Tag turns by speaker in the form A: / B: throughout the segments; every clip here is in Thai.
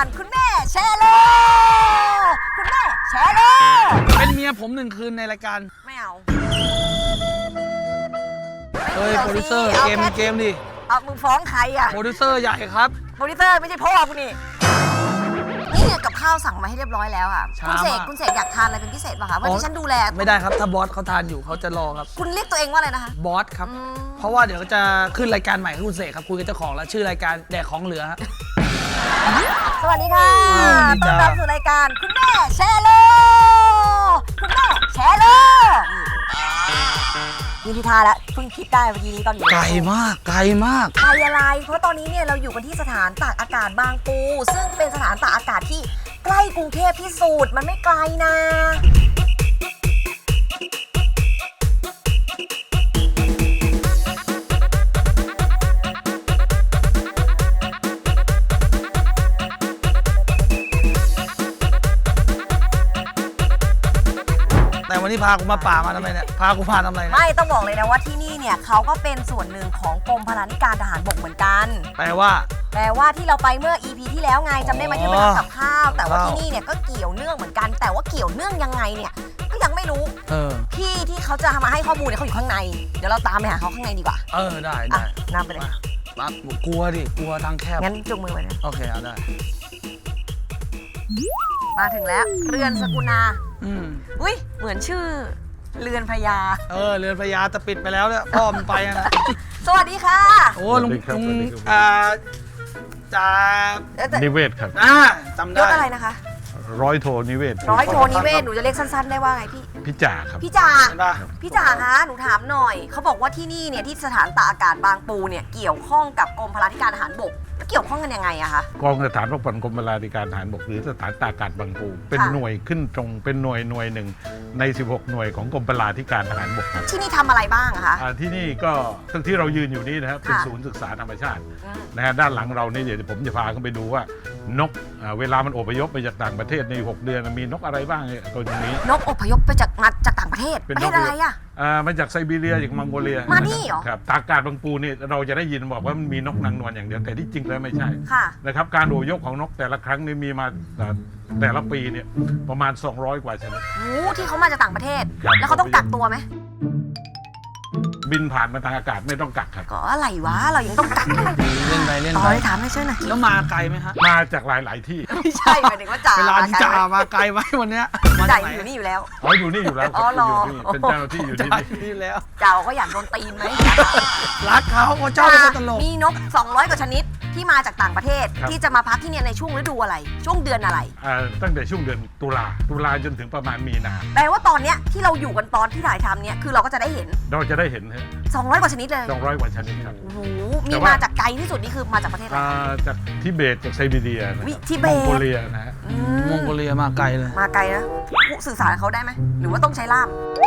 A: การคุณแม่แชร์โลคุณแม่แชร์โล
B: เป็นเมียผม1 คืนในรายการ
A: ไม่เอา
B: เฮ้ยโปรดิวเซอร์เกมดิ
A: เอามึงฟ้องใครอ่ะ
B: โปรดิวเซอร์ใหญ่ครับ
A: โปรดิวเซอร์ไม่ใช่พ่อกูนี่นี่เนี่ยกับข้าวสั่งมาให้เรียบร้อยแล้วอ่ะคุณเสกอยากทานอะไรเป็นพิเศษป่ะคะวันนี้ฉันดูแล
B: ไม่ได้ครับถ้าบอสเขาทานอยู่เขาจะรอครับ
A: คุณเรียกตัวเองว่าอะไรนะคะ
B: บอสครับเพราะว่าเดี๋ยวจะขึ้นรายการใหม่ของคุณเสกครับคุยกับเจ้าของแล้วชื่อรายการแดกของเหลือฮะ
A: สวัสดีค่ะ
B: สวัสดี
A: ต้อน
B: จ้า
A: รับสู่รายการคุณแม่แชร์โลคุณแม่แชร์โลนี่พี่ทาแล้วเพิ่งคิดได้เมื่อกี้นี้ตอนอยู่
B: ไกลมากไกลมาก
A: ไกลอะไรเพราะตอนนี้เนี่ยเราอยู่กันที่สถานตากอากาศบางปู ซึ่งเป็นสถานตากอากาศที่ใกล้กรุงเทพที่สุดมันไม่ไกลนะ
B: แต่วันนี้พากูมาป่ามาทำไมเนี่ยพากูมาทำอะไรเนี่ย
A: ไม่ต้องบอกเลยนะว่าที่นี่เนี่ยเขาก็เป็นส่วนหนึ่งของกรมพลาธิการทหารบกเหมือนกัน
B: แปลว่า
A: ที่เราไปเมื่อ EP ที่แล้วไงจำได้ไหมที่ไปทำกับข้าว แต่ว่าที่นี่เนี่ยก็เกี่ยวเนื่องเหมือนกัน แต่ว่าเกี่ยวเนื่องยังไงเนี่ยก็ยังไม่รู้ พี่ที่เขาจะมาให้ข้อมูลเนี่ยเขาอยู่ข้างในเดี๋ยวเราตามไปหาเขาข้างในดีกว่า
B: ได้
A: อ่ะนำไปเลย
B: ปั๊บกลัวดิกลัวทางแคบ
A: งั้นจุงมือไว้นะ
B: โอเคเอาได้
A: มาถึงแล้วเรือนสกุณา
B: อืม
A: เหมือนชื่อเรือนพญา
B: เรือนพญาจะปิดไปแล้วเนี่ยพ่อมันไปนะ
A: สวัสดีค่ะ
B: โอ้ลุง
C: สวัสดีครับ
B: จ่า
C: นิเวศครับ
B: จำ
A: ย
B: ได้
A: ศอะไรนะคะ
C: ร้อยโทนิเวศ
A: ร้อยโทนิเวศหนูจะเรียกสั้นๆได้ว่าไงพี่
C: พี่จ่าครับ
A: พี่จ่า
B: เห็นปะ
A: พี่จ๋าคะหนูถามหน่อย เขาบอกว่าที่นี่เนี่ยที่สถานตากอากาศบางปูเนี่ยเกี่ยวข้องกับกรมพลาธิการทหารบกแล้วเกี่ยวข้องกันยังไงอะคะ
C: กองสถานรบกวนกรมพลาธิการทหารบกหรือสถานตากอากาศบางปูเป็น
A: ค่ะ
C: หน่วยขึ้นตรงเป็นหน่วยหนึ่งใน 16 หน่วยของกรมพลาธิการทหารบกครับ
A: ที่นี่ทำอะไรบ้างอะคะ
C: ที่นี่ก็ทั้งที่เรายืนอยู่นี่นะครับเป็น
A: ค่ะ
C: ศูนย์ศึกษาธรรมชาติ
A: อืม
C: นะฮะด้านหลังเรานี่เดี๋ยวผมจะพาเข้าไปดูว่านกเวลามันอพยพไปจากต่างประเทศใน 6 เดือนมีนกอะไรบ้างเนี่ยตัวนี้
A: นกอพยพไปมาจากต่างประเทศ
C: เป็น
A: ประ
C: น
A: เท
C: ก
A: ศอะไรอะ
C: มาจากไซบีเรียจากมองโกเลีย
A: มานี่เหรอ
C: ครับตากอากาศบางปูนี่เราจะได้ยินบอกว่ามันมีนกนางนวลอย่างเดียวแต่ที่จริงแล้วไม่ใช่
A: ค่ะ
C: นะครับการอพยพของนกแต่ละครั้งนี่มีมาแต่ละปีเนี่ยประมาณ 200 กว่าชนิด
A: หูที่เขามาจากต่างประเทศ
C: ครับ
A: แล้วเขาต้องกักตัวไหม
C: บินผ่านมาทางอากาศไม่ต้องกักครับ
A: ก็อะไรวะ เรายังต้องกักเลย
B: เล่นไปเล่น
A: ต่อ
B: ไป
A: เลยถามให้ช่วยหน่อย
B: แล้วมาไกลไหมฮะ
C: มาจากหลาย ๆ ที่
A: ไม่ใช่หมายถึงว่าจ่า
B: เวลาที่จ่ามาไกลไหมวันเนี้ยมา
A: จ่า
B: จากไหน
A: อยู่นี่อยู่แล้ว
C: อยู่นี่อยู่แล้วค
A: อ๋
C: รั
A: อบ เหรอ
C: อยู่นี่เป็นเจ้าหน้าที่อยู่ที่
B: จ่า
C: นี่
B: ที่แล้ว
A: จ่าก็อยากโดนตีนไหม
B: รักเขาเขาชอบเป็นคนตลก
A: มีนก 200 กว่าชนิดที่มาจากต่างประเทศ
C: ครับ
A: ที่จะมาพักที่เนี่ยในช่วงฤดูอะไร ช่วงเดือนอะไร
C: ตั้งแต่ช่วงเดือนตุลาจนถึงประมาณมีนา
A: แปลว่าตอนเนี้ยที่เราอยู่กันตอนที่ถ่ายทำเนี่ยคือเราก็จะได้เห็น
C: เราจะได้เห็น
A: 200 กว่าชนิดเลย
C: 200 กว่าชนิดครับ
A: โอ้โห
C: แต่
A: มี
C: ว่า
A: มาจากไกลที่สุดนี่คือมาจากประเทศอะไร
C: จากทิเบตจากไซบีเรียนะ
A: วิทิเบต
C: มองโกเลียนะฮะ
A: อื
B: มองโกเลียมาไกลเลย
A: มาไกลนะสื่อสารกับเขาได้ไหมหรือว่าต้องใช้ล่าม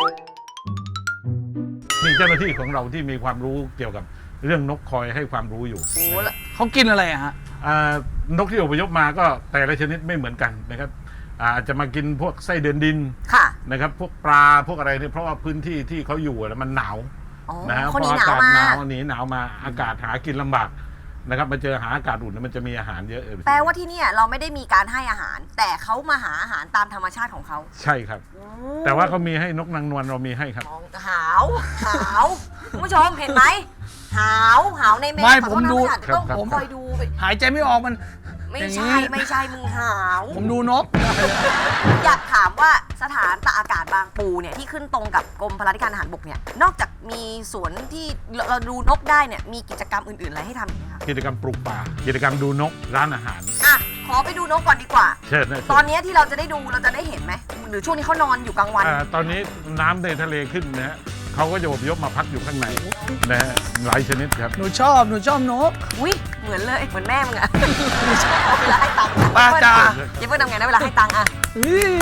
C: มีเจ้าหน้าที่ของเราที่มีความรู้เกี่ยวกับเรื่องนกคอยให้ความรู้อยู่
A: โอ้โห
C: นะครับ
B: เขากินอะไรอะฮะ
C: นกที่อพยพมาก็แต่ละชนิดไม่เหมือนกันนะครับอาจจะมากินพวกไส้เดือนดิน
A: ค่ะ
C: นะครับพวกปลาพวกอะไรเนี่ยเพราะว่าพื้นที่ที่เขาอยู่มันหนาว
A: อ๋อ
C: นะฮะ
A: คน
C: พ
A: นี้
C: อ
A: หนาว
C: อากาศ
A: มา
C: หนาวหนีหนาวมาอากาศหากินลำบากนะครับมาเจอหาอากาศอุ่นมันจะมีอาหารเยอะ
A: แปลว่าที่เนี่ยเราไม่ได้มีการให้อาหาร แต่เขามาหาอาหารตามธรรมชาติของเขา
C: ใช่ครับ แต่ว่าเขามีให้นกนางนวลเรามีให้ครับ
A: มองหาวคุณผู้ชมเห็นไหมหาวในแม่
B: ไม่
A: ขอโทษ
B: ผมดู
A: นะอาจจะต้อง
C: ครับ
A: คอยดูไป
B: หายใจไม่ออกมัน
A: ไม่
B: อย่าง
A: ใช่
B: นี้
A: ไม่ใช่มึงหาว
B: ผมดูนก
A: อยากถามว่าสถานตากอากาศบางปูเนี่ยที่ขึ้นตรงกับกรมพลาธิการทหารบกเนี่ยนอกจากมีสวนที่เราดูนกได้เนี่ยมีกิจกรรมอื่นๆอะไรให้ทำอีกไหมคะ
C: กิจกรรมปลูกป่ากิจกรรมดูนกร้านอาหาร
A: อ่ะขอไปดูนกก่อนดีกว่า
C: เชิญนะ
A: ตอนนี้ที่เราจะได้ดูเราจะได้เห็นไหมหรือช่วงนี้เขานอนอยู่กลางวัน
C: ตอนนี้น้ำในทะเลขึ้นนะฮะเขาก็จะอพยพมาพักอยู่ข้างในนะฮะหลายชนิดครับ
B: หนูชอบนก
A: อุ้ยเหมือนเลยเหมือนแม่มึงอะเวลาให้ตังค์
B: ป้าจ๋า
A: อย่าเพิ่งทำไงนะเวลาให้ตังค์อะ
B: อุ๊ย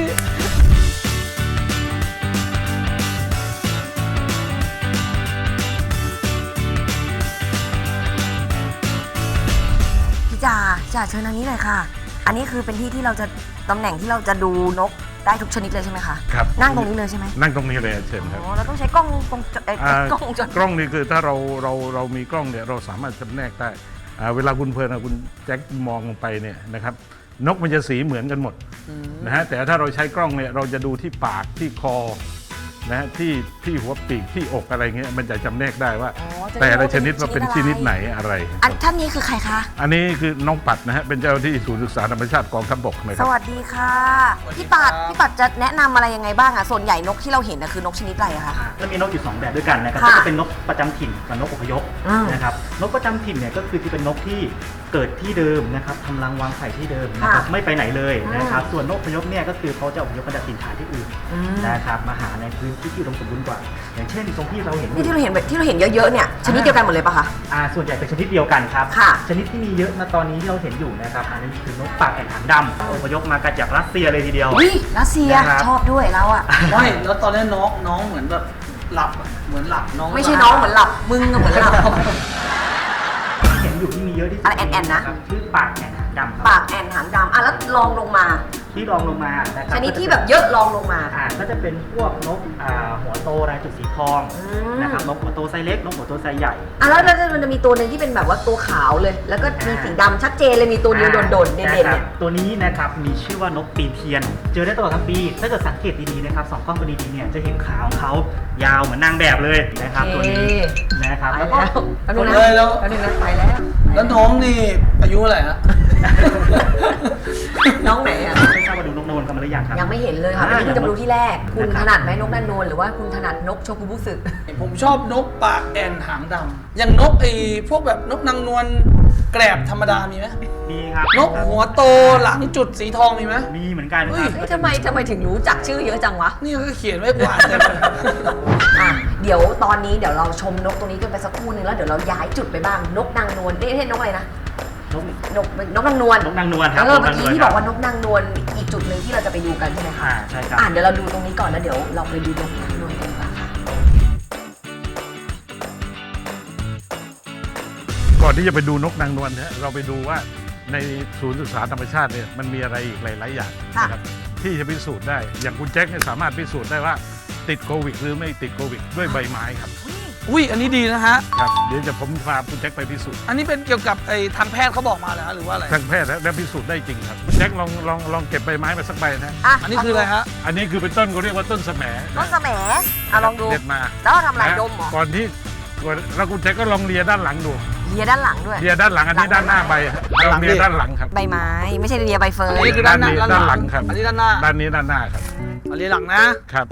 A: พี่จ่าเชิญทางนี้หน่อยค่ะ อันนี้คือเป็นที่ที่เราจะตำแหน่งที่เราจะดูนกได้ทุกชนิดเลยใช่ไหมคะ
C: ครับ
A: นั่งตรงนี้เลยใช่ไหม
C: นั่งตรงนี้เลยเชิญครับ
A: อ๋อเราต้องใช้กล้องกล้องวงจร
C: กล้องนี่คือถ้าเรามีกล้องเนี่ยเราสามารถจำแนกได้เวลาคุณเพลินคุณแจ็คมองลงไปเนี่ยนะครับนกมันจะสีเหมือนกันหมดนะฮะแต่ถ้าเราใช้กล้องเนี่ยเราจะดูที่ปากที่คอนะฮะที่หัวปีกที่อกอะไรเงี้ยมันจะจำแนกได้ว่า แต่ละชนิดว่าเป็นชนิดไหนอะไร
A: อันท่านนี้คือใครคะ
C: อันนี้คือน้องปัดนะฮะเป็นเจ้าที่ศูนย์ศึกษาธรรมชาติกองทัพบกนะค
A: ส
C: รับ
A: วัสดีค่ะพี่ปัดจะแนะนำอะไรยังไงบ้างอะส่วนใหญ่นกที่เราเห็นนะคือนกชนิดอะไรอะคะ
D: จะมีนกอยู่ 2 แบบด้วยกันนะครับ
A: ค่ะ
D: ก็จะเป็นนกประจำถิ่นกับนกอพยพ
A: อืม
D: นะครับนกประจำถิ่นเนี่ยก็คือที่เป็นนกที่เกิดที่เดิมนะครับทำรังวางไข่ที่เดิมนะครับ
A: ค่ะ
D: ไม่ไปไหนเลยนะครับส่วนนกอพยพเนี่ยก็คือเขาจะอพยพมาจากถิ่นฐานที่อื่น
A: อืม
D: นะครับมาหาในพื้นที่ที่อุดมสมบูรณ์กว่า อย่างเช่นตรงที่เราเห็น
A: นี่ที่เราเห็นเยอะๆเนี่ยชนิดเดียวกันหมดเลยปะคะ
D: ส่วนใหญ่เป็นชนิดเดียวกันครับ
A: ค่ะ
D: ชนิดที่มีเยอะณตอนนี้ที่เราเห็นอยู่นะครับอันนี้คือนกปากแอ่นหางดำอพยพมาจากรัสเซียเลยทีเดียว
A: อุ้ยรัสเซีย
D: นะครับ
A: ชอบด้วยเราอะ
B: ไม่แล้วตอนนี้น้องเหมือนแบบหลับอะเหมือนหลับน้อง
A: ไม่ใช่น้องเหมือนหลับมึงอะเหมือนหลับ
D: เห็นอยู่ที่มีเยอะที่สุด
A: อะไรแอ่นๆนะ
D: ครับชื่อปากแอ่นหางดำครับ
A: ปากแอนหางดำอ่ะแล้วลองลงมา
D: ที่รองลงมานะครั
A: ชนิดที่แบบเยอะลองลงมา
D: ก็จะเป็นพวกนกหัวโตลายจุดสีทอง
A: ม
D: นะครับนกหัวโตไซส์เล็กนกหัวโตไซส์ใหญ่
A: แล้วมันจะมีตัวหนึ่งที่เป็นแบบว่าตัวขาวเลย แล้วก็มีสีดำชัดเจนเลยมีตัวเดียวโดดๆเด่นๆ
D: นะค
A: เนี่
D: รับ
A: ย
D: ตัวนี้นะครับมีชื่อว่านกปีนเทียน เจอได้ตลอดทั้งปี ถ้าเกิดสังเกตดีๆนะครับสองกล้องตัวดีๆเนี่ยจะเห็นขาของเขายาวเหมือนนางแบบเลยนะครับตัวนี้นะครับ
A: ไป
D: แล้วก็
A: แล้วแป๊บนึงนะ
B: เลยแล้ว
A: แป๊บนึงนะไปแล้ว
B: แล้วน้องนี่อายุอะไรฮะ
A: น้องไหนอ่ะ
D: ไม่ทราบว่าดูนกโนนกันมาหรือยังครับ
A: ยังไม่เห็นเลยค่ะ
D: อ่า
A: วันนี้เพิ่งจะมาดูที่แรก คุณ
D: นะครับ
A: ถนัดไหมนกนันโนนหรือว่าคุณถนัดนกโชกุบุสึ
B: ผมชอบนกปากแอนหางดำอย่างนกไอ้พวกแบบนกนางนวลแกรบธรรมดามีไหม
D: มีครับ
B: นกหัวโตหลังจุดสีทองมีไหม
D: มีเหมือนกัน
B: เฮ้
D: ค
B: ย
D: รับ
A: เฮ้ยทำไมถึงรู้จักชื่อเยอะจังวะ
B: นี่ก็เขียนไว้กว่าเลย
A: อ่ะเดี๋ยวตอนนี้เดี๋ยวเราชมนกตัวนี้กันไปสักครู่นึงแล้วเดี๋ยวเราย้ายจุดไปบ้างนกนางนวลนี่ไม่ใช่นกอะไรนะ
D: นก
A: นกนางนวล
D: นกนางนวลครั
A: แล้วก็เมื่อ
D: น
A: กี้ที่บอกว่านกนางนวลอีกจุดหนึ่งที่เราจะไปดูกันใช่ไหมคะ
D: ใช่ครับ
A: เดี๋ยวเราดูตรงนี้ก่อนแล้วเดี๋ยวเราไปดูนกนางนวลกันดีกว่าค่ะ
C: ก่อนที่จะไปดูนกนางนวลนะฮะเราไปดูว่าในศูนย์ศึกษาธรรมชาติเนี่ยมันมีอะไรอีกหลาย ๆ อย่างนะครับที่จะพิสูจน์ได้อย่างคุณแจ็คเนี่ยสามารถพิสูจน์ได้ว่าติดโควิดหรือไม่ติดโควิดด้วยใบไม้ครับ
B: อุ้ยอันนี้ดีนะฮะ
C: ครับเดี๋ยวจะผมพาคุณแจ็คไปพิสูจน์
B: อันนี้เป็นเกี่ยวกับไอ้ทางแพทย์เขาบอกมาเหรอฮะหรือว่าอะไร
C: ทางแพทย์และพิสูจน์ได้จริงครับคุณแจ็คลองเก็บใบไม้มาสักใบนะ
B: อันนี้คืออะไรฮะ
C: อันนี้คือเป็นต้นเขาเรียกว่าต้นแสม
A: ต้นแสมลองดู
C: เด็ดมา
A: แล้วเราทำอะไรดมเหรอ
C: ก่อนที่แล้วคุณแจ็คก็ลองเลียด้านหลังดู
A: เลียด้านหลังด้วย
C: เลียด้านหลังอันนี้ด้านหน้าใบฮะ
B: ด้านหลัง
C: เลียด้านหลังครับ
A: ใบไม้ไม่ใช่เลียใบเฟิร์
B: อัน
A: น
B: นี้คือด้านหน้า
C: ด้านหลังครับ
B: อันนี้ด้านหน้า
C: ด้านนี้ด้านหน้าครับ
B: อันนี้หลังนะครับ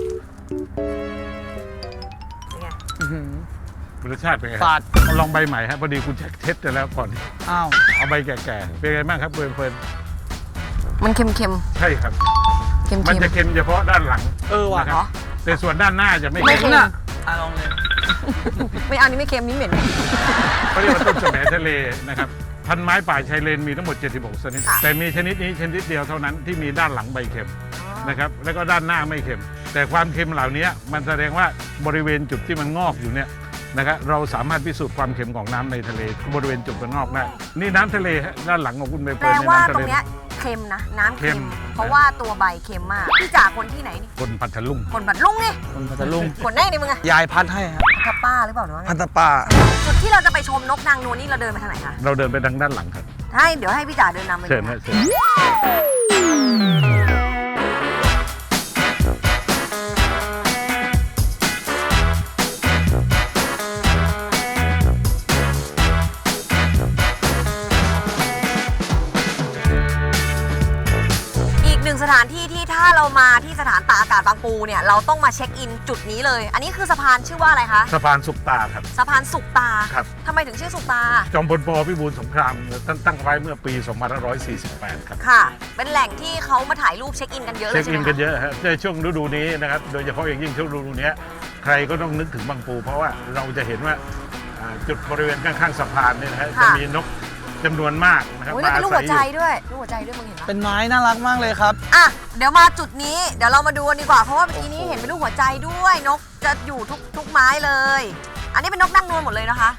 B: อื้อหือ
C: รสชาติเป็นไง
B: ฝาด
C: ลองใบใหม่ฮะพอดีคุณแจ็คเทสไปแล้วก่อน
B: อ้าว
C: เอาใบแก่ๆเป็นไงบ้างครับเฟิร์น
A: มันเค็ม
C: ใช่ครับ
A: ๆเค็ม
C: มันจะเค็มเฉพาะด้านหลัง
B: ว่ะ
C: นะครับแต่ส่วนด้านหน้าจะไม่
A: ไม่
C: เค็ม
A: เค็ม
B: น่ะลองเลย
A: ไม่เอานี่ไม่เค็มนี่เหม็น
C: เขาเรียกว่าต้นแสมทะเลนะครับพันไม้ป่าชายเลนมีทั้งหมด 76 ชนิด
A: ค่ะ
C: แต่มีชนิดนี้ชนิดเดียวเท่านั้นที่มีด้านหลังใบเค็มนะครับแล้วก็ด้านหน้าไม่เค็ม แต่ความเค็มเหล่านี้มันแสดงว่าบริเวณจุดที่มันงอกอยู่เนี่ยนะครับเราสามารถพิสูจน์ความเค็มของน้ำในทะเลบริเวณจุดมันงอกได้นี่น้ำทะเลฮะด้านหลังของคุณใบ
A: แป
C: เฟิ
A: ล
C: ร์นใน
A: ว่า
C: น้ำ
A: ต
C: ทะ
A: ร
C: เล
A: งเนี้ยเค็มนะน้ำเค็
C: เค็
A: ม
C: ม
A: เพราะว่าตัวใบเค็มมากพี่จ่าคนที่ไหนนี่
C: คนพัทลุง
A: คนบัดลุงนี่
B: คนพัทลุง
A: คนแน่นี่มึงอะ
B: ยายพัดให้ฮะ
A: ทับป้าหรือเปล่าหรือว่าไง
B: พันตป้า
A: จุดที่เราจะไปชมนกนางนวลนี่เราเดินไปทางไหนคะ
C: เราเดินไปทางด้านหลังครับ
A: เดี๋ยวให้พี่จ่าเดินนำไป
C: เชิญ
A: ดู
C: ฮะ
A: นะ
C: เชิญ
A: อีกหนึ่งสถานที่ที่ถ้าเรามาที่สถานตากอากาศบางปูเนี่ยเราต้องมาเช็คอินจุดนี้เลย อันนี้คือสะพานชื่อว่าอะไรคะ
C: สะพานสุกตาครับ
A: สะพานสุกตา
C: ครับ
A: ทำไมถึงชื่อสุกตา
C: จอมพลปพิบูลสงครามตั้งไว้เมื่อปี 2548 ครับ
A: ค่ะ เป็นแหล่งที่เขามาถ่ายรูปเช็คอินกันเยอะเล
C: เช็
A: ย
C: ค
A: ใช่ไห
C: อิ
A: ม
C: น
A: คะ
C: กันเยอะฮะในช่วงฤดูนี้นะครับ โดยเฉพาะอย่างยิ่งช่วงฤดูนี้ใครก็ต้องนึกถึงบางปู เพราะว่าเราจะเห็นว่าจุดบริเวณข้างๆสะพานเนี่ยนะฮะจะมีนกจำนวนมากนะครับ
A: โอ้ย
C: มา
A: แล้วเป็นรูปหัวใจ
C: อยู่
A: ด้วยรูปหัวใจด้วยมึงเห็นปะ
B: เป็นไม้น่ารักมากเลยครับ
A: อ่ะเดี๋ยวมาจุดนี้เดี๋ยวเรามาดูกันดีกว่าเพราะว่าเมื่อกี้นี้เห็นเป็นรูปหัวใจด้วยนกจะอยู่ทุกไม้เลย อันนี้เป็นนกนางนวลหมดเลยนะคะ
C: ครับ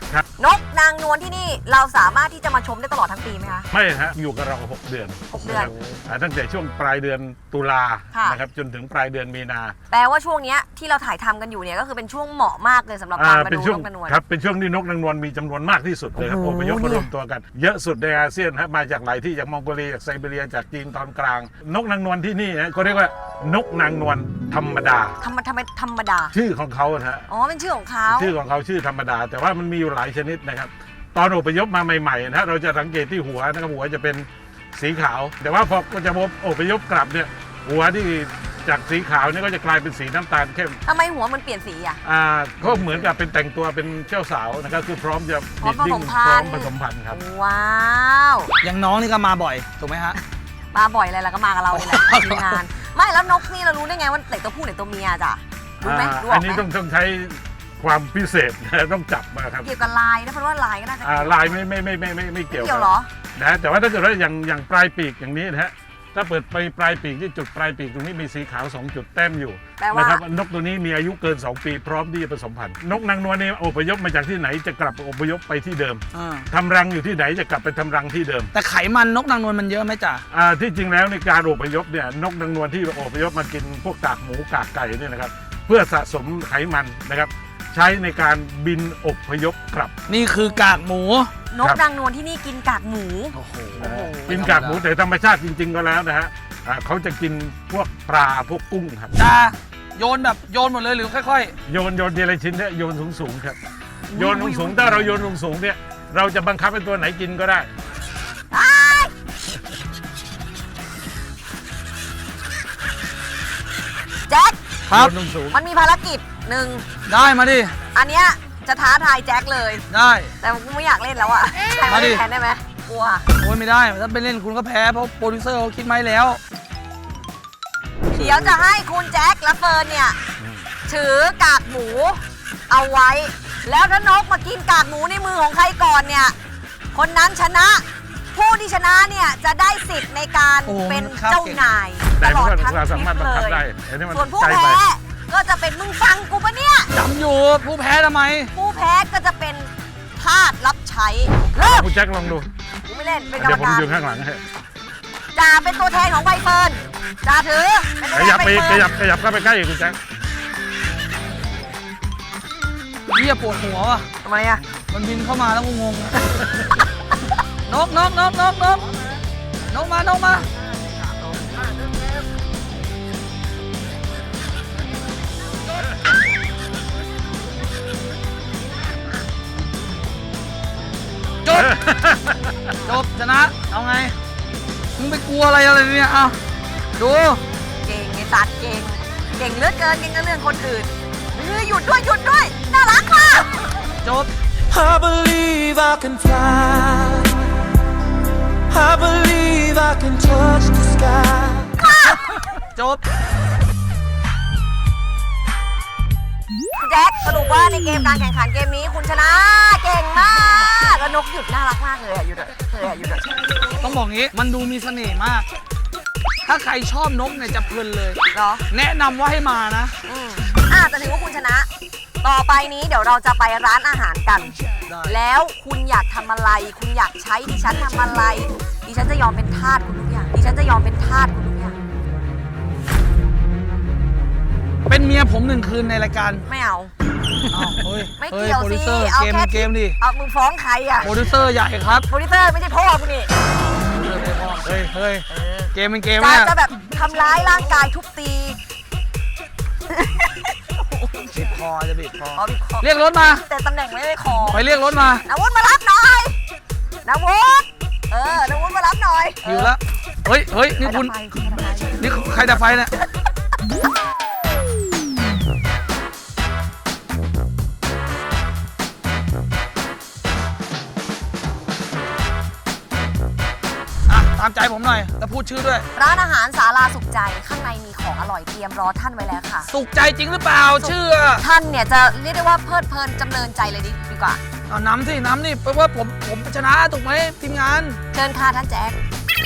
A: นกนางนวลที่นี่เราสามารถที่จะมาชมได้ตลอดทั้งปีไหมคะ
C: ไม่ฮะอยู่กับเรา6 เดือน
A: 6 เดือน
C: นะครับตั้งแต่ช่วงปลายเดือนตุลา
A: ค่ะ
C: นะครับจนถึงปลายเดือนมีนา
A: แปลว่าช่วงเนี้ยที่เราถ่ายทำกันอยู่เนี่ยก็คือเป็นช่วงเหมาะมากเลยสำหรับการมา
C: เป็น
A: ดู
C: ช่วง
A: นกนางนวล
C: ครับเป็นช่วงที่นกนางนวลมีจำนวนมากที่สุดเลยครับ
A: โอ้
C: อ
A: โห
C: พยพ
A: เนี่
C: มาย รวมตัวกัน เยอะสุดในอาเซียนฮะมาจากหลายที่จากมองโกเลียจากไซบีเรียจากจีนตอนกลาง นกนางนวลที่นี่นะเขาเรียกว่านกนางนวลธรรมดา
A: ทำไมธรรมดา
C: ชื่อของเขานะฮะ
A: อ๋อเป็นชื่อของเขา
C: ชื่อของเขาชื่อธรรมดา แต่ว่ามันมีอยู่หลายชนิดนะครับ ตอนอพยพมาใหม่ๆนะฮะเราจะสังเกตที่หัวนะครับหัวจะเป็นสีขาว แต่ว่าพอจะอพยพกลับเนี่ยหัวที่จากสีขาวเนี่ยก็จะกลายเป็นสีน้ำตาลเข้ม
A: ทำไมหัวมันเปลี่ยนสีอ่ะ
C: ก็เหมือนกับเป็นแต่งตัวเป็นเจ้าสาวนะครับคือพร้อมจะ
A: พร้อมผสมพั
C: พร้อน
A: ธุ์
C: มผสมพันธุ์ครับ
A: ว้าว
B: อย่างน้องนี่ก็มาบ่อยถูกไหมฮะ
A: มาบ่อยอะไรแล้วก็มากับเรานี่แหละทีมงานไม่แล้วนกนี่เรารู้ได้ไงว่าไหนตัวผู้ไหนตัวเมียจ้ะรู้ไหมรู้อ
C: อั
A: อน ก
C: นี้
A: ไหม
C: ต้องใช้ความพิเศษนะต้องจับมาครับ
A: เกี่ยวกับลายนะเพราะว่าลายก็น่าจะ
C: ลายไม่เกี่ยว
A: เกี่ยวเหรอ
C: นะแต่ว่าถ้าเกิดว่าอย่างปลายปีกอย่างนี้นะฮะถ้าเปิดไปปลายปีกที่จุดปลายปีกตรงนี้มีสีขาว2 จุดแต้มอยู่
A: แปลว่า
C: นะครับนกตัวนี้มีอายุเกิน 2 ปีพร้อมที่จะผสมพันธุ์นกนางนวลนี่อพยพมาจากที่ไหนจะกลับอพยพไปที่เดิมทำรังอยู่ที่ไหนจะกลับไปทำรังที่เดิม
B: แต่ไขมันนกนางนวลมันเยอะไหมจ๊ะ
C: ที่จริงแล้วในการอพยพเนี่ยนกนางนวลที่อพยพมากินพวกกากหมูกากไก่เนี่ยนะครับเพื่อสะสมไขมันนะครับใช้ในการบินอพยพกลับ
B: นี่คือกากหมู
A: นกนางนวลที่นี่กินกากหมู
B: โอ้โห
C: กินกากหมูแต่ธรรมชาติจริง ๆ ก็แล้วนะฮะเขาจะกินพวกปลาพวกกุ้งครับ
B: จ้าโยนแบบโยนหมดเลยหรือค่อย
C: โยนทีละชิ้นเนี่ยโยนสูงๆครับโยนสูงๆถ้าเราโยนสูงๆเนี่ยเราจะบังคับให้ตัวไหนกินก็ได้
A: แจ็ค
B: ๆครับ
C: โยนสูง
A: มันมีภารกิจหนึ่ง
B: ได้มาดิ
A: อันเนี้ยจะท้าทายแจ็คเลย
B: ได้
A: แต่กูไม่อยากเล่นแล้วอ่ะใครมาเล่นแทนได้ไหมกลัว
B: โอ้ยไม่ได้ถ้าไปเล่นคุณก็แพ้เพราะโปรดิวเซอร์เขาคิดมาให้แล้ว
A: เดี๋ยวจะให้คุณแจ็คและเฟิร์นเนี่ยถือกากหมูเอาไว้ แล้วถ้านกมากินกากหมูในมือของใครก่อนเนี่ยคนนั้นชนะ ผู้ที่ชนะเนี่ยจะได้สิทธิ์ในการ
B: โอ้
A: เป็น
B: ครับ
A: เจ้านาย
C: แต่
A: ตลอด
C: มัน
A: ทั้ง
C: เรา
A: ท
C: สา
A: ริ
C: มารถ
A: ป
C: บัง
A: เล
C: คับ
A: ย
C: ได้อันนี้มัน
A: ส่วนผู้
C: ไกลไป
A: แพ้ก็จะเป็นมึงฟังกูปะเนี่ย
B: จำอยู่ผู้แพ้ทำไม
A: ผู้แพ้ก็จะเป็นทาสรับใช้เริ่ม
C: คุณแจ็คลองดู
A: กูไม่เล่นเป็นกร
C: เดี๋
A: ร
C: ยวผม
A: มการ
C: อยู่ข้างหลังให้
A: จ่าเป็นตัวแทนของใบเฟิร์นจ่าถือเป็นตัว
C: ข
A: แทน
C: ยับ
A: ใบ
C: ไป
A: เฟิร์น
C: ขยับเข้าไปใกล้อีกคุณแจ็ค
B: เฮียปวดหัวว่ะ
A: ทำไมอะ
B: มันบินเข้ามาแล้วงงๆ นกมาจบชนะ เอาไง มึงไปกลัวอะไรเนี่ยเอาดู
A: เก่งไอ้สัตว์เก่งเหลือเกินเก่งกับเรื่องคนอื่นหยุดด้วยน่ารักค่ะ
B: จบ
E: I believe I can fly. I believe I can touch the sky.
B: จบ
A: คุณแจ็คสรุปว่าในเกมการแข่งขันเกมนี้คุณชนะเก่งมากแล้วนกหยุดน่ารักมากเลยอะหยุดอะหยุด
B: ต้องบอกงี้ มันดูมีเสน่ห์มาก ถ้าใครชอบนกเนี่ยจะเพลินเลย
A: เหรอ
B: แนะนำว่าให้มานะ
A: แต่ถือว่าคุณชนะ ต่อไปนี้เดี๋ยวเราจะไปร้านอาหารกัน
B: ได้
A: แล้วคุณอยากทำอะไร คุณอยากใช้ดิฉันทำอะไร ดิฉันจะยอมเป็นทาสคุณทุกอย่าง
B: เป็นเมียผม1 คืนในรายการ
A: ไม่เอา
B: อ้าวเฮ้ย
A: ไม่
B: เฮ้ย
A: เกี่ยว
B: โปรดิ
A: สิ
B: วเซอร์
A: เอา
B: เกม
A: แค่
B: เกมดิ
A: เอามึงฟ้องใครอ่ะ
B: โปรดิวเซอร์ใหญ่ครับ
A: โปรดิวเซอร์ไม่ใช่พ่อคุณนี่
B: เฮ้ย เกมเป็นเกม
A: จะ
B: เนี่ย
A: จะแบบทำร้ายร่างกายทุบตี
B: บีบคอจะบีบคอ
A: เอาดิคอ
B: เรียกรถมา
A: แต่ตำแหน่งไม่ได้คอ
B: ไปเรียกรถมา
A: นาวุฒิมารับหน่อยนาวุฒินาวุฒิมารับหน่อย
B: หิวแล้ว เฮ้ย นี่คุณ นี่ใครดับไฟเนี่ย ตามใจผมหน่อย แล้วพูดชื่อด้วย
A: ร้านอาหารศาลาสุขใจข้างในมีของอร่อยเตรียมรอท่านไว้แล้วค่ะ
B: สุขใจจริงหรือเปล่า ชื่อ
A: ท่านเนี่ยจะเรียกได้ว่าเพลิดเพลินจำเริญใจเลยดีกว่า
B: เอาน้ำนี่แปลว่าผมชนะถูกไหมทีมงาน
A: เชิญค่ะท่านแจ็ค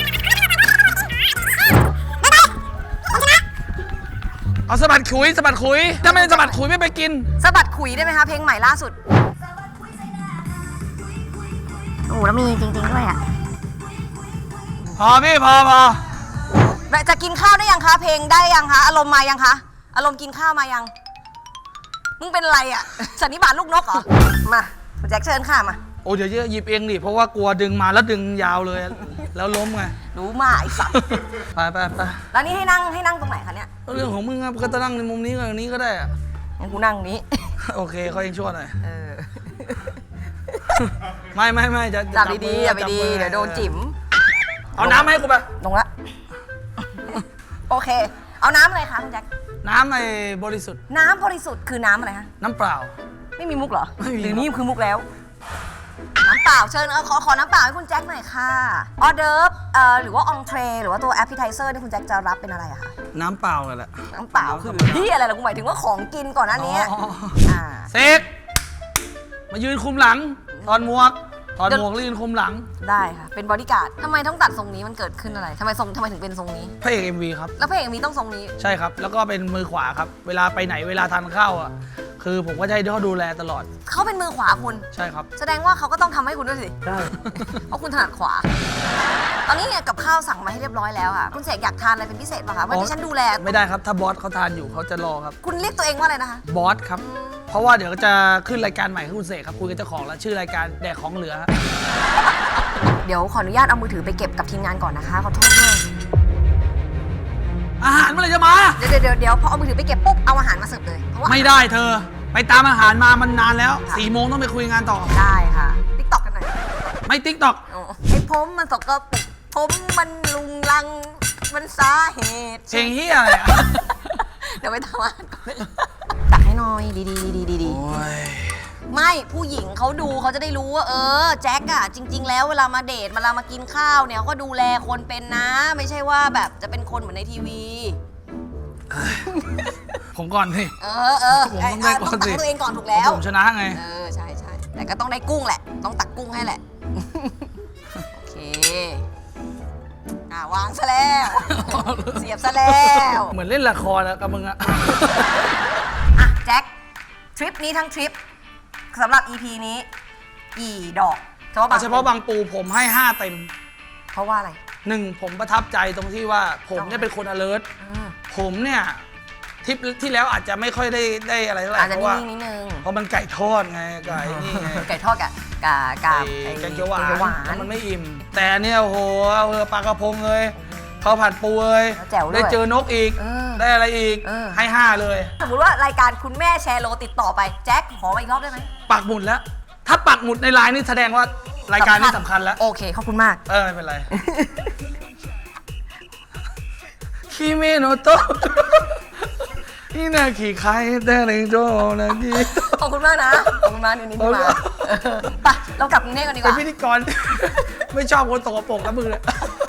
B: เอาสะบัดขุยถ้าไม่สะบัดขุยไม่ไปกิน
A: สะบัดขุยได้ไหมคะเพลงใหม่ล่าสุดหูแล้วมีจริงๆด้วยอ่ะ
B: พอพี่พอ
A: จะกินข้าวได้ยังคะเพลงได้ยังคะอารมณ์มายังคะอารมณ์กินข้าวมายังมึงเป็นอะไรอ่ะสันนิบาตลูกนกเหรอมาคุณแจ็คเชิญค่ะมา
B: โอ้เดี๋ยวหยิบเองดิเพราะว่ากลัวดึงมาแล้วดึงยาวเลย แล้วล้มไง
A: รู้มาไอ้สัตว์
B: ไป
A: แล้วนี่ให้นั่งตรงไหนคะเนี่ย
B: เรื่องของมึงครับก็จะนั่งในมุมนี้กับนี้ก็ได้อะ
A: งั้นกูนั่งนี้
B: โอเคเขาเองช่วยหน่อย
A: เออ
B: ไม่จะ
A: จับดีๆอย่าไป
B: จับ
A: ดี
B: มือ
A: เดี๋ยวโดนจิ๋ม
B: เอาน้ำให้กูไป
A: ลงละโอเค เอาน้ำอะไรคะคุณแจ็ค
B: น้ำไอ้บริสุทธิ์
A: น้ำบริสุทธิ์คือน้ำอะไรคะ
B: น้ำเปล่า
A: ไม่มีมุกเหรอ
B: ไม่มี
A: หรือนี่คือมุกแล้ว น้ำเปล่าเชิญขอน้ำเปล่าให้คุณแจ็คหน่อยค่ะออเดิร์ฟหรือว่าองเทรหรือว่าตัวแอปเปิลไทเซอร์นี่คุณแจ็คจะรับเป็นอะไรอะคะ
B: น้ำเปล่าเลยแหละ
A: น้ำเปล่าคือที่อะไรล่ะกูหมายถึงว่าของกินก่อนหน้านี้
B: อ๋อ
A: อ่า
B: เซกมายืนคุมหลังถอดหมวกแล้วยืนคุมหลัง
A: ได้ค่ะ เป็นบอดี้การ์ดทำไมต้องตัดทรงนี้มันเกิดขึ้นอะไรทำไมถึงเป็นทรงนี้
B: พระเอก MV ครับ
A: แล้วเพลงมีต้องทรงนี้
B: ใช่ครับ แล้วก็เป็นมือขวาครับ เวลาไปไหนเวลาทานข้าวอ่ะคือผมก็จะให้เขาดูแลตลอด
A: เขาเป็นมือขวาคุณ
B: ใช่ครับ
A: แสดงว่าเขาก็ต้องทำให้คุณด้วยสิ
B: ได้
A: เพราะคุณถนัดขวา ตอนนี้เนี่ยกับข้าวสั่งมาให้เรียบร้อยแล้วค่ะคุณเสกอยากทานอะไรเป็นพิเศษป่ะคะวันนี้ฉันดูแล
B: ไม่ได้ครับถ้าบอสเขาทานอยู่เขาจะรอครับ
A: คุณเรียกตัวเองว่าอะไรนะคะ
B: บอสครับ เพราะว่าเดี๋ยวจะขึ้นรายการใหม่ให้คุณเสกครับคุยกับเจ้าของแล้วชื่อรายการแดกของเหลือฮะ
A: เดี๋ยวขออนุญาตเอามือถือไปเก็บกับทีมงานก่อนนะคะขอโทษด้วย
B: อาหารเมื่อไหรจะมา
A: เดี๋ยวพอเอามือถือไปเก็บปุ๊บเอาอาหารมาเสิร์ฟเลยเพราะว่า
B: ไม่ได้เธอ ไปตามอาหารมามันนานแล้ว4 โมงต้องไปคุยงานต่อ
A: ได้ค่ะติ๊กต็อกกันหน่อย
B: ไม่ติ๊กตอก
A: โอ้ไอ้ผมมันสกปรกผมมันลุงลังมันสาเหตุ
B: เพลงเฮียอะไรอ่ะ
A: เดี๋ยวไปทำอาหารก่อนตักให้หน่อยดี
B: โอ้ย
A: ไม่ผู้หญิงเขาดูเขาจะได้รู้ว่าแจ็คอะจริง ๆ แล้วเวลามาเดทเวลามากินข้าวเนี่ยเขาก็ดูแลคนเป็นนะ ไม่ใช่ว่าแบบจะเป็นคนเหมือนในทีวี
B: ผมก่อนสิ ผมต้องได้ก่อนสิ
A: ตักตัวเองก่อนถูกแล้ว
B: ผมชนะไง
A: ใช่แต่ก็ต้องได้กุ้งแหละ ต้องตักกุ้งให้แหละ โอเค วางซะแล้ว เสียบซะแล้ว
B: เหมือนเล่นละครแล้วกับมึงอะ
A: อ่ะแจ็คทริปนี้ทั้งทริปสำหรับ EP นี้กี่ดอก
B: เฉพาะบางปูผมให้ 5 เต็ม
A: เพราะว่าอะไร
B: 1 ผมประทับใจตรงที่ว่าผมเนี่ยเป็นคน alert ผมเนี่ยทริปที่แล้วอาจจะไม่ค่อยได้อะไรเท่าไหร่
A: อาจจะ
B: เพราะว่า
A: นิ่งๆนิดนึง
B: เพราะมันไก่ทอดไงไก่นี่ไง
A: ไก่ทอดกับ
B: ไก่เขียวหวานแล้วมันไม่อิ่ม แต่เนี่ยโอ้โหเอาปลากระพงเลยข้าวผัดปูเลย
A: แจ๋วด้วย
B: ได้เจอนกอีก ได้อะไรอีก ให้ 5 เลย
A: สมมติว่ารายการคุณแม่แชร์โลติดต่อไปแจ็คขอมาอีกรอบได้ไหม
B: ปักหมุดแล้ว ถ้าปักหมุดในไลน์นี่แสดงว่ารายการนี้สำคัญแล้ว
A: โอเคขอบคุณมาก
B: ไม่เป็นไร คิเมโนโตะนี่นาขี่ใครแต่เรงโจนาที
A: ขอบคุณมากนะขอบคุณมากนี่ที่มาไปเรากลับกรุงเทพกันดีก
B: เป็น
A: ว่า
B: พิธีกร ไม่ชอบคนตกปรกนะมึงเลย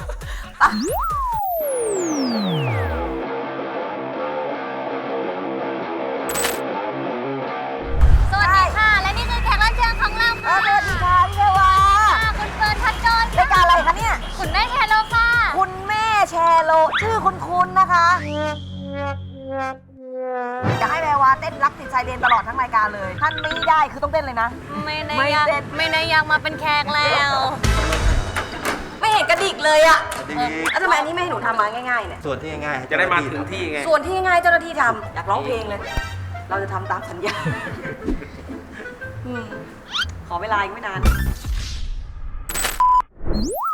F: สวัสดีค่ะ และนี่คือแขกรับเชิญของเราค่ะ
A: สวัสดีค่ะพี่เทวา
F: คุณเฟิร์นพัดโจน
A: รายการอะไรคะเนี่ย
F: คุณแม่แชร์โลค่ะ
A: คุณแม่แชร์โลชื่อคุณนะคะจะให้แววาเต้นรักติดชายเลนตลอดทั้งรายการเลยท่านไม่ได้คือต้องเต้นเลยนะ
F: ไม่ได้
A: ไม่
F: อยาก
A: เต้น
F: ไม่ได้อยากมาเป็นแขกแล้ว
A: ไม่เห็นกระดิกเลยอะแล้วทำไมอันนี้ไม่ให้หนูทำมาง่ายๆเนี่ย
G: ส่วนที่ง่ายๆ
H: จะได้มาถึงที่ไง
A: ส่วนที่ง่ายเจ้าหน้าที่ทำอยากร้องเพลงเลย เราจะทำตามสัญญาขอเวลาอีกไม่นาน